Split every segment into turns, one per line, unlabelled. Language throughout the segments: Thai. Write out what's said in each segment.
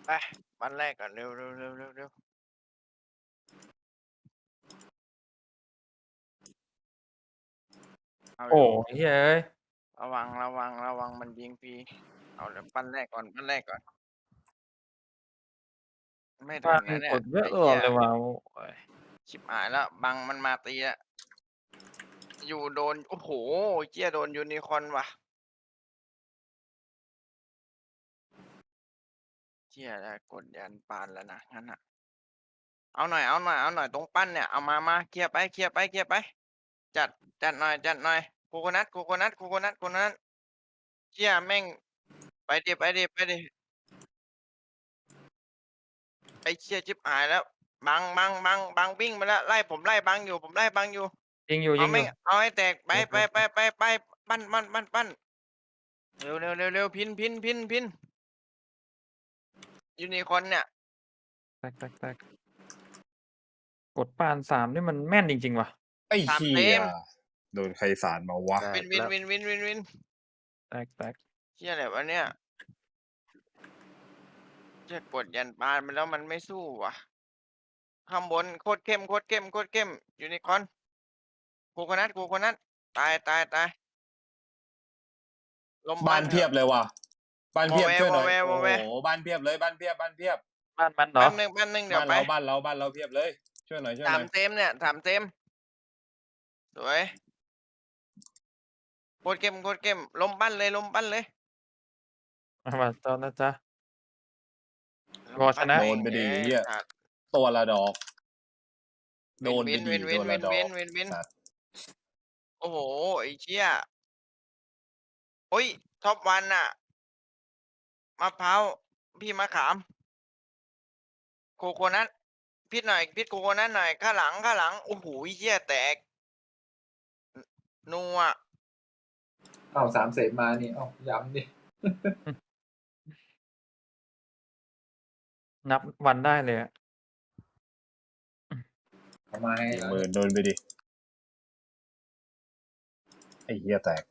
ไปบ้านแรกก่อนเร็วเร็วเร็วเร็วเร็วเอา
โอ้
เร็ว
เฮ้ยเอ้ย
ระวังระวังระวังมันยิงฟรีเอาเร็วปั้นแรกก่อนปั้นแรกก่อนไม่โด
บ้าน
นนะเนี่ย
กดเยอะ
ไอ้เหี้ย
ตลอดเลยว่ะโอ้ย
ชิบหายแล้วบังมันมาตีอะอยู่โดนโอ้โหเหี้ยโดนยูนิคอร์นว่ะเหี้ยแล้วกดยันปานแล้วนะงั้นอะเอาหน่อยเอาหน่อยเอาหน่อยตรงปั้นเนี่ยเอามาเคลียร์ไปเคลียร์ไปเคลียร์ไปจัดจัดหน่อยจัดหน่อยโคโคนัทโคโคนัทโคโคนัทโคโคนัทเหี้ยแม่งไปดิไปดิไปดิไอ้เหี้ยชิบหายแล้วบังวิ่งมาแล้วไล่ผมไล่บังอยู่ผมไล่บังอยู่
ยิงอยู่
เอาไม่
ยิงอยู่
เอาให้แตกไป
ไป
ไปไป
ไป
ไปไปปั้นเร็วเร็วเร็วเร็วพินยูนิคอร์นเนี่ย
แตกแตกแตกกดปาน3นี่มันแม่นจริงๆว่ะ
ไอ้
สาม
เหี้ย
เต็ม
โดนใครสาดมาวะ
แต
วินวิน
กแล้ว
วินวินวินวิน
แตกแตก
เชี่ยอะไรวะเนี่ยจะกดยันปานไปแล้วมันไม่สู้ว่ะข้างบนโคตรเข้มโคตรเข้มโคตรเข้มยูนิคอร์นโคโคนัทโคโคนัทตายลม
บ้านเพี
บ้านเถอะ
ยบเลยว่ะบ้าน
วอ
เพียบช่วยหน่อย
วอแว
โอ้โหบ้านเพียบเลยบ้านเพียบบ้านเพียบ
บ้านมันเหรอ
แป๊บนึงเดี๋ยวไป
บ้านเราเพียบเลยช่วยหน่อยช่วย
สา
หน่อย
มเต็มเนี่ยสามเต็มสวยโคตรเข้มโคตรเข้มลมปั้นเลยลมปั้นเลย
มาตอนนะจ๊ะ
ล
รอชนะ
มปั้นแม่ง
โดนไปดิ
เอ้ย
เหี้ย
สัตว์
ตัวละดอกโด
วิน
นไปดิ
วินวินวิ
ตัวละดอก
นวินวินวินวิน
สัตว์
โอ้โหไอ้เชี่ยโอ้ยท็อปวันอะมะพร้าวพี่มะขามโคโคนัทพิดหน่อยพิดโคโคนัทหน่อยข้างหลังโอ้โหเชี่ยแตกนัว
เอาสามเสร็จมานี่เอาย้ำดิ
นับวันได้เลยอะ
เอามาให้
สี่
แล้ว
หมื่นโดนไปดิไอ้เหี้ยแตก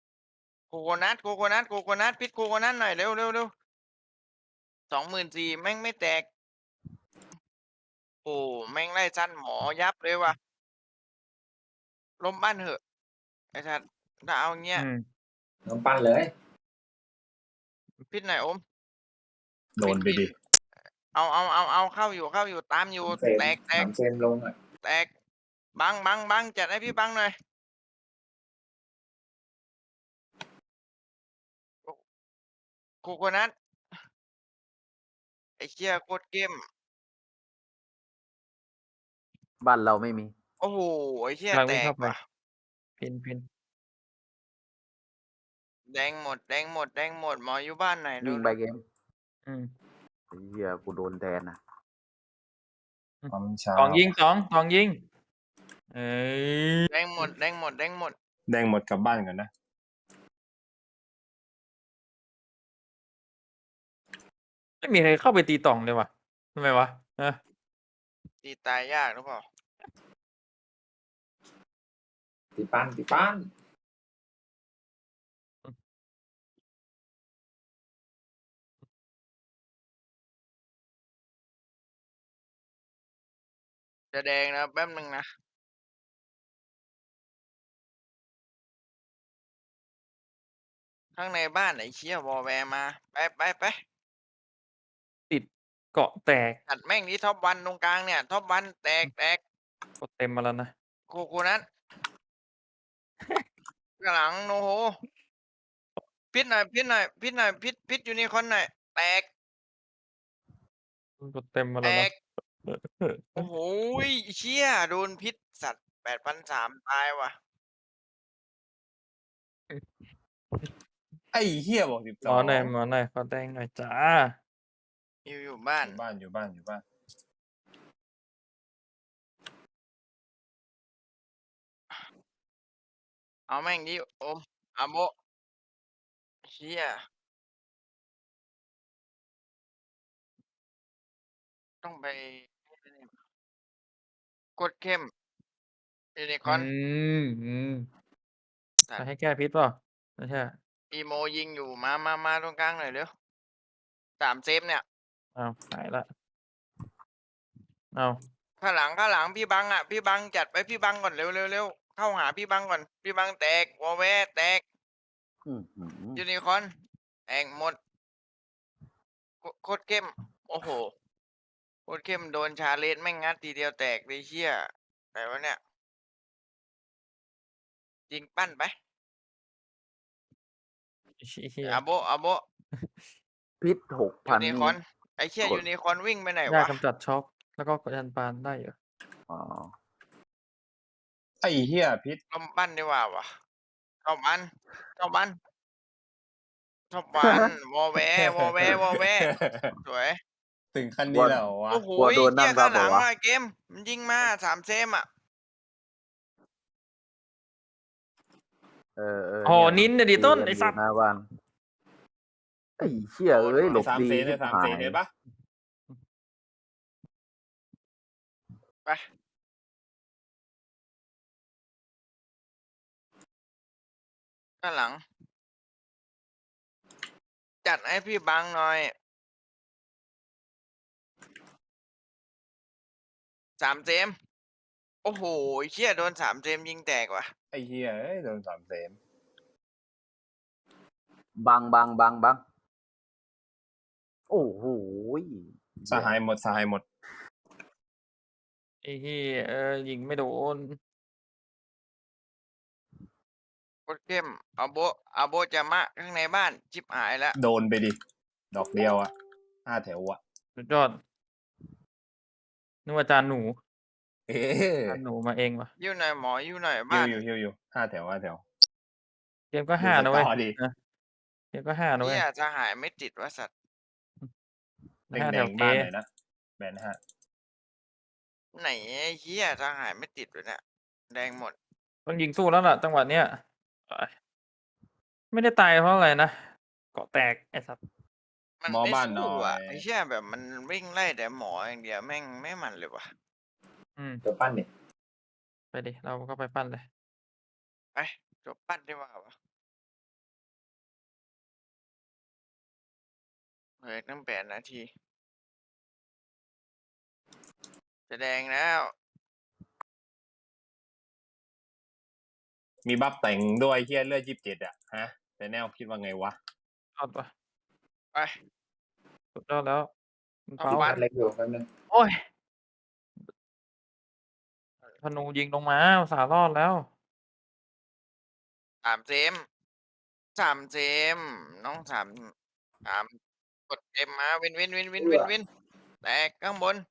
โคโคนัทพิดโคโคนัทหน่อยเร็วเร็วเร็ว24,000แม่งไม่แตกโอ้แม่งไล่สั้นหมอยับเลยว่ะล้มบ้านเหอะไอ้สัตว์ถ้าเอาเงี้ย
อืม
น้ำปั้นเลย
พิดหน่อยอม
โดนไป
วิน
ดิ
เอาเข้าอยู่ตามอยู่
สามเซม
แตก
สามเซมลงอ่ะ
แตกบังจัดให้พี่บังหน่อยโคโคนัทไอ้เชี่ยโคตรเกม
บ้านเราไม่มี
โอ้โฮไอ้เหี้ย
กำลัง
แต
วิ่งเข้าไป
กว่ะ
พิน
แดงหมดหมออยู่บ้านไหนเ
วิ่งไป
ร็ว
เกม
อืม
ไอ้เหี้ยกูโดนแทนนะ
ความช้า
ตองยิงตองยิงเอ้ย
ๆแดงหมด
แดงหมดกลับบ้านก่อนนะ
ไม่มีใครเข้าไปตีตองเลยว่ะทำไมวะฮะ
ตีตายยากหรือเปล่า
ตีปั้นตีปั้น
จะแดงแล้วแป๊บหนึ่งนะข้างในบ้านไอ้เชี่ยวอลแวร์มาไป
ติดเกาะแตก
จัดแม่งนี้ท็อปวันตรงกลางเนี่ยท็อปวันแตก
กดเต็มมาแล้วนะ
โคโคนัทข้างหลังโอ้โฮพิดหน่อยพิดยูนิคอร์นหน่อยแตก
กดเต็มมา
แต
แล้วนะ
กโอ้โฮเชี่ยโดนพิษสัตว์8,300ตายว่ะ
ไอ้เหี้ยบอก
หมอหน่อย
12
ขอแดงหน่อยจ้า
อยู่บ้า
อน ยู่บ้าน
เอาแม่งดิโอมอาโมเชี่ยต้องไปกดเข้มยูนิค
อื
อร์น
ม
สัตว์
จะให้แก้พิษเปล่าไม่ใช่
อีโมยิงอยู่มาตรงกลางหน่อยเร็ว3เซฟเนี่ย
เอาหายละเอา
ข้างหลังพี่บังอ่ะพี่บังจัดไปพี่บังก่อนเร็วเข้าหาพี่บังก่อนพี่บังแตกวอแวร์แตก
อื้อหือ
ยูนิคอร์นแองหมดโคตรเข้มโอ้โหโคตรเข้มโดนชาเลนจ์แม่งงัดทีเดียวแตกเลยเชี่ยแต่ว่าเนี่ยยิงปั้นไป
เฮีย
อาโบ
พิษหก
ยู
พัน
นิ
นี่
คอร์นไอ้เชี่ย
กด
ยูนิคอร์นวิ่งไปไหน
ยาว
ะ
กำจัดช็อคแล้วก็กดยันปานได้เหรอ
อ๋อ
ไอ้เหี้ยพิษ
ลมปั้นดีกว่าวะชอบมันชอบมันชอบมันวอแวร์วอแวร์วอแวร์สวย
ถึงขั้นนี้แล้วเหรอวะ
โอ้โห
กลัวโดนนั่
เชี่ย
งรับ
ข้างหลัง
เหรอวะ
อะเกมมันยิงมา3 เซมอ่ะ
เออ
โอ้นินเนี่ยดิต้น
กั
ไอ้
ยู่
สัตว์
หน้าบ้านไอ้เชี่ยเอ้ยหลบ
สาม
ดี
เซนเนี่ย
ชิบ
สาม
หา
เซ
ย
นเนี่ยปะ
ไปข้างหลัง จัดให้พี่บังหน่อย3 เซมโอ้โหเชี่ยโดน3 เซมยิงแตกว่ะ
ไอ้เหี้ยเอ้ยโดนสามเซน
บังโอ้โห
สหายหมดสหายหมด
ไอ้เฮียยิงไม่โดน
โคตรเข้มอาโบจะมะข้างในบ้านชิบหายแล้ว
โดนไปดิ ดอกเดียวอ่ะ5 แถวอ่ะ
สุดยอดนึกว่าจานหนู
เอ๊ะ
จานหนูมาเองวะ
อยู่หน่อยหมออยู่หน่อย
ฮิ
บ้า
วน อยู่5 แถว5 แถว
เกมก็ห้านะเว้ย
ดูสกอร์ดิ
นะเกมก็ห้านะเว้ย
เนี่ยจะหายไม่ติดว่าสัตว์
แด
ห้าง แถว
ๆ
เก
บ้านไหนนะแบนห้า
ไหนไอ้เหี้ยจะหายไม่ติดเลยเนี่ยแดงหมด
ต้องยิงสู้แล้วล่ะจังหวะเนี้ยไม่ได้ตายเพราะอะไรนะเกาะแตกไอ้สัตว์
มัน
หมอ
ไม่
บ้านหน่
สู้
อ
อ่ะ
ย
ไอ้เชี่ยแบบมันวิ่งไล่แต่หมออย่างเดียวแม่งไม่มันเลยว่ะ
เดี๋ยวปั้นเนี่ย
ไปดิเราก็ไปปั้นเลย
ไปจบปั้นได้ว่าวะเฮ้ยตั้ง8 นาทีจะแดงแล้ว
มีบัฟแต่งด้วยเหี้ยเลือด27อ่ะฮะแต่แนวคิดว่าไงวะ
ยอดปะ
ไป
สุดยอดแล้วคุณ
เอา
เปา
ปั้
ปั้นเล็กอยู่แป๊บนึง
โอ้ยธนูยิงลงมาอุตส่าห์รอดแล้ว
3 เซม3 เซมน้อง3กดเอ็มมาวินแตกข้างบน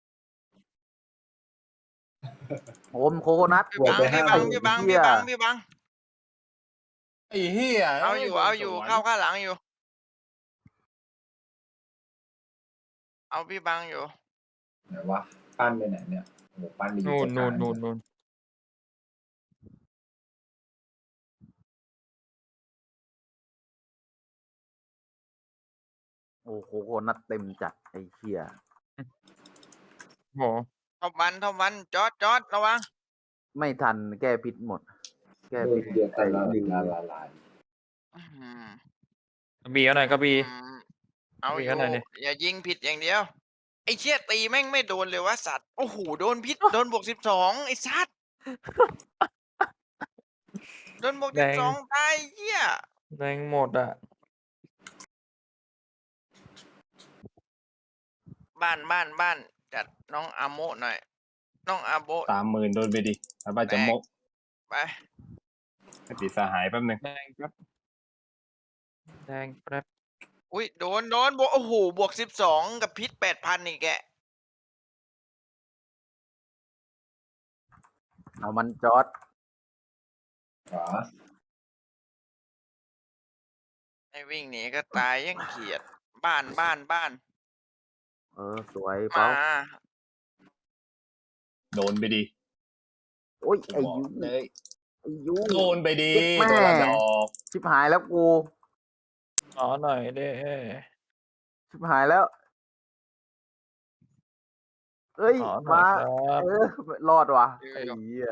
โอมโคโคนัท
พี่บัง
เหี้ย
ไอ้เหี้ย
เอาอยู่
โดน
เอาอยู่
สวน
เข้าข้างหลังอยู่ เอาพี่บังอยู่
ไหนวะปั้นไปไหนเนี่ยโอ้โหปั้นไปอยู่
นู่น
ตรงก
นู่
ลาน ง
นู่น
โอ้โคโคนัทเต็มจัดไอ้เชี่ย
โห
ท็อปวันจอดระวัง
ไม่ทันแก้พิษหมด แก้
เดิ
พิ
น
ษ
เดียวกันละ
ไอ้ลิง
ลาย
อื้อหือก
ระบี่เอาหน่อยกระบี่
เอาอ
คุย
ยู่
กันหน่อยดิ
อย่ายิงผิดอย่างเดียว ไอ้เชี่ยตีแม่งไม่โดนเลยวะสัตว์ โอ้โหโดนพิษ โดนบวก12ไอ้สัตว์ โดนบวก12ตายเหี้ย
แรงหมดอ่ะ
บ้านจัดน้องอาโมหน่อย น้องอาโบ
30,000โดนไปดิแล้วบ้านจะมก
ไป
ไปติดสหายแป๊บนึง
แดงแป๊บแดงแป๊บ
อุ้ยโดนบวกโอ้โหบวก12กับพิษ8,000อีกแก
เอามันจอด
ขวา
ไอ้วิ่งหนีก็ตายยังเขียด บ้าน
สวย
มา
เปา
โดนไปดิ
โอ้ย
กู
ไอ้
บอก
ยู
เลย
ไอ้ยู
โดนไปดิ
แม่
ตัวละดอก
ชิบหายแล้วกู
อ๋อหน่อยเด้
ชิบหายแล้ว เอ้ย
อ๋อหน่อ
มา
ยครับ
รอดว่ะไอ้เหี้ย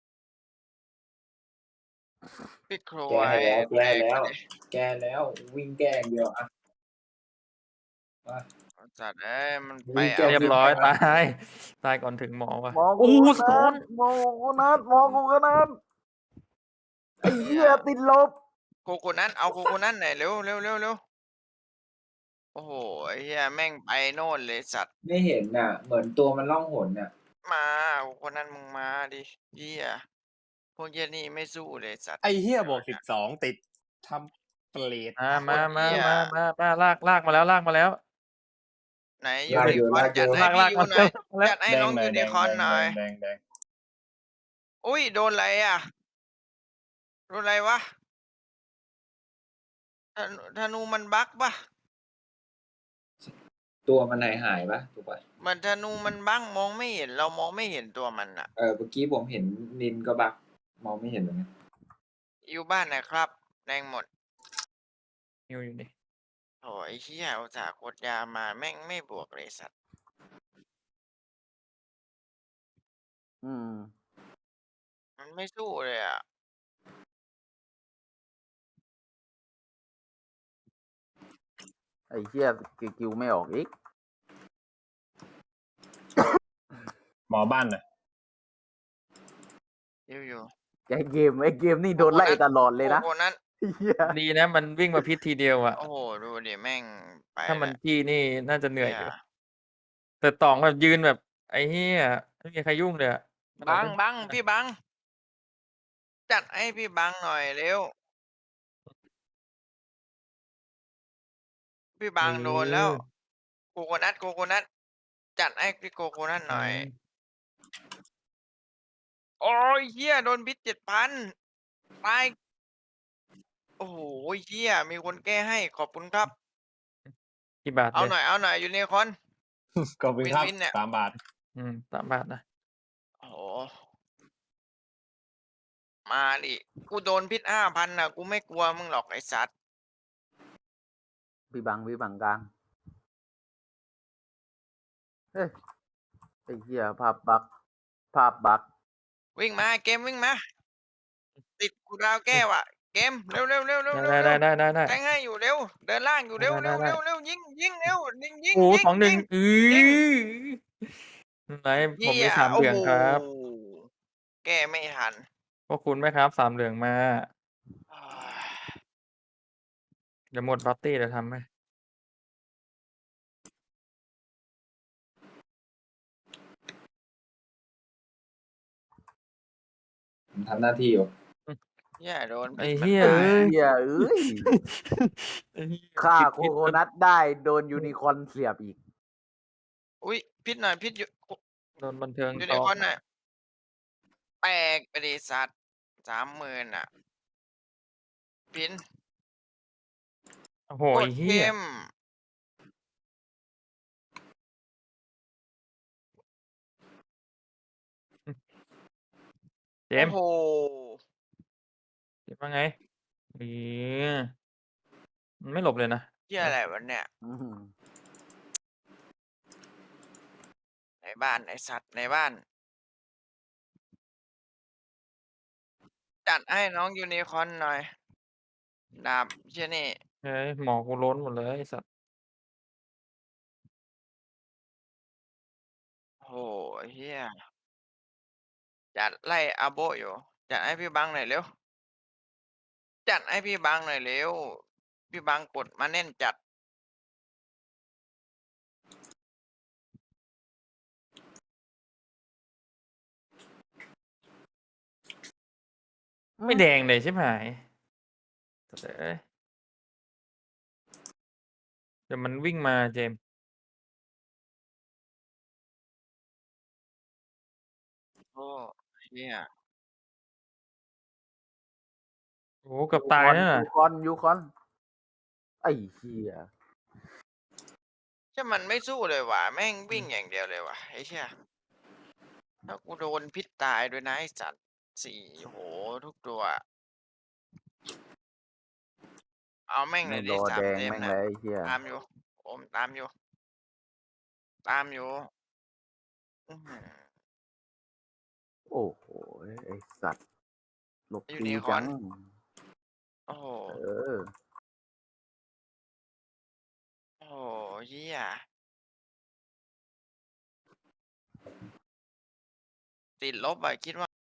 พี่โคร
แก้แล้ว
ย
แก้แล้ววิ่งแก้อย่างเดียวอ่ะ
สัตว์เอ้ยมัน
มี
ไป
แก้ว
เรียบ
ขึ้น
ร้อย
มา
ตายตายก่อนถึงหมอว่ะ
มอง
โอ้
กู
โห
ข
สะท้อ
นาด
น
มองกูนัดมองกูขนาดไอ้เหี้ยติดลบ
โคโคนัทเอาโคโคนัทหน่อยเร็วเร็วเร็วเร็วโอ้โหไอ้เหี้ยแม่งไปโน่นเลยสัตว์
ไม่เห็นน่ะ เหมือนตัวมันล่องหนน่ะ
มาโคโคนัทมึงมาดิเหี้ยพวกเหี้ยนี่ไม่สู้เลยสัตว์
ไอ้เฮียบวก12ติดทำเปรต
มา
โคตรเหี้ย
ลากมาแล้วลากมาแล้ว
ไหน
ลาก
ยู
อยู่
นิคอร์น
ลากอยู่
จัดให้
ลาก
พี่
ลาก
ยู
มา
หน่อย
แล้ว
จัดให้
แด
น้
ง
อง
หน่อ
ยู
ยแด
นิ
ง
คอร์นหน่อย
แดงแดง
อุ้ยโดนอะไรอ่ะโดนอะไรวะธนูมันบั๊กปะ
ตัวมันหายปะถูกปะ
มันธนูมันบั๊กมองไม่เห็นเรามองไม่เห็นตัวมันอ่ะ
เมื่อกี้ผมเห็นนินก็บักมองไม่เห็นเหมือนกัน
อยู่บ้านนะครับแดงหมด
อยู่นี่
โอ้ยเหี้ยอุตส่าห์กดยามาแม่งไม่บวกเลยสัตว์
อืม
มันไม่สู้เลยอ่ะ
ไอ้เหี้ยกิวไม่ออกอีก
หมอบ้านน่ะ
อยู่
ไอ้เกมนี่โดนไล่ตลอด
ๆ
เลยนะ
โคนั้น
ไอ้เหี้ย
ดีนะมันวิ่งมาพิษทีเดียวอ่ะ
โอ้โหดูดิแม่งไป
ถ้ามัน
แล้ว
จี้นี่น่าจะเหนื่อยอยู่
หี้
แต่ตองแบบยืนแบบ ไอ้เหี้ยไม่มีใครยุ่งเลยอะ
บังพี่บังจัดให้พี่บังหน่อยเร็วพี่บังโดนแล้วโคโคนัทจัดให้พี่โคโคนัทหน่อย โอ้ยเหี้ยโดนพิษ7,000ตายโอ้โหเหี้ยมีคนแก้ให้ขอบคุณครับ
กี่บาท
เอา
เลย
หน่อยยูนิคอร์น
ขอบคุณครับ
วินเนี่ย
3 บาท
3 บาทนะ
โอ้โหมาดิกูโดนพิษ5,000น่ะกูไม่กลัวมึงหรอกไอ้สัตว์
พี่บังกลางเฮ้ยไอ้เหี้ยภาพบัก
วิ่งมาเกมวิ่งมาติดกูดาวแก้วอ่ะเกมเร็ว
ได้
แทงให้อยู่เร็วเดินล่างอยู่เร็ว
ได้
ยิงเร็วยิง
โอ้
ยิง
2-1
ยิง
ไหนผมมี
เหี้ย
3 เหลืองครับ
โอ้โหแก้ไม่ทัน
พวกคุณไหมครับ3 เหลืองมา เดี๋ยวหมดบัตตี้เดี๋ยวทำไหม
ผมทำหน้าที่อยู่
เหี้ยโดน
ไอ้
พิษมัน
เหี้ย
ตาย
ไอ้เหี้ยเอ้ย
ไอ้เหี้ย
ฆ่า
ผิด
โคโคนัทได้โดนยูนิคอร์นเสียบอีก
อุ้ยพิษหน่อยพิษอยู่
โดนบันเทิง
ยู
ต่
นิ
อ
คอร์นน่ะแตกไปดิสัตว์30,000อ่ะพิน
โอ้โห
ก
ไอ้
ด
เหี้ย
เข้ม
เจ
โอ้
มส์
โห
เจมส์ว่าไงมันไม่หลบเลยนะ
เหี้ยอะไรวะเนี่ย
อืม
ในบ้านไอสัตว์ในบ้าน จัดให้น้องยูนิคอร์นหน่อยดาบเชี่ยนี่
เฮ้ยหมอกูล้นหมดเลยไอ้สัตว์
โอ้โหเฮียจัดไล่อาโบอยู่จัดให้พี่บังหน่อยเร็วจัดให้พี่บังหน่อยเร็วพี่บังกดมาแน่นจัด
ไม่แดงเลยใช่ไหมเอ้ยเดี๋ยวมันวิ่งมาเจมส์
โอ้เฮีย
โอ้เกือบตายนะน่ะ
ยูคอนไอ้เหี้ย
ถ้ามันไม่สู้เลยว่ะแม่งวิ่งอย่างเดียวเลยว่ะไอ้เชี่ยถ้ากูโดนพิษตายด้วยนะไอ้สัตว์4โหทุกตัวเอาแม่งเล
ไม่
ย
ร
ดิ
อ
3
แดง
เต็ม
แม่ง
นะ
เลยไอ้เหี้ย
ตามอยู่โอมตามอยู่อื้อหือ
โอ้โหไอ้สัตว์หลบ
ยู
ดี
นิคอ
จั
ร์น
ง
โอ้โห
เออ
โอ้โหเฮียติดลบอะคิดว่า